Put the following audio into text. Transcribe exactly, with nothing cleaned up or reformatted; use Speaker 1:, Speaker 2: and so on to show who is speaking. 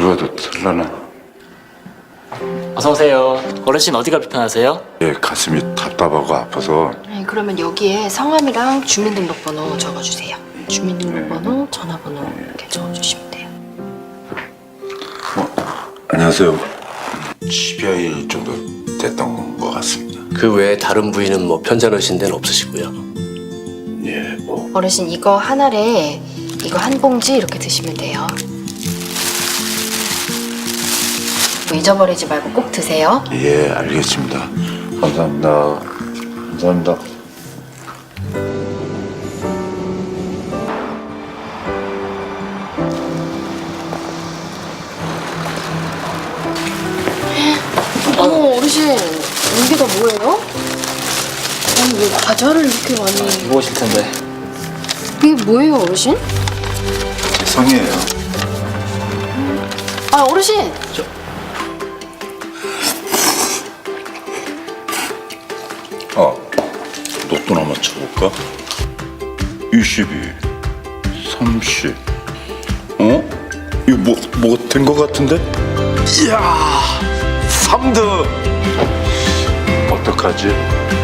Speaker 1: 들어가도 될라나?
Speaker 2: 어서 오세요. 어르신 어디가 불편하세요?
Speaker 1: 예, 가슴이 답답하고 아파서.
Speaker 3: 네, 그러면 여기에 성함이랑 주민등록번호 적어주세요. 주민등록번호, 전화번호 이렇게 적어주시면 돼요.
Speaker 1: 안녕하세요. 십여 일 정도 됐던 것 같습니다.
Speaker 4: 그 외에 다른 부위는 뭐 편찮으신 데는 없으시고요.
Speaker 1: 예, 뭐.
Speaker 3: 어르신 이거 한 알에 이거 한 봉지 이렇게 드시면 돼요. 뭐 잊어버리지 말고 꼭 드세요.
Speaker 1: 예, 알겠습니다. 감사합니다. 감사합니다.
Speaker 3: 어머 어르신 여기가 뭐예요? 아니 왜 과자를 이렇게 많이
Speaker 2: 무거우실 텐데.
Speaker 3: 이게 뭐예요 어르신?
Speaker 1: 성이에요.
Speaker 3: 아 어르신
Speaker 1: 아, 로또 한번 쳐볼까? 이십이, 삼십. 어? 이거 뭐, 뭐가 된 것 같은데? 이야, 삼 등! 어떡하지?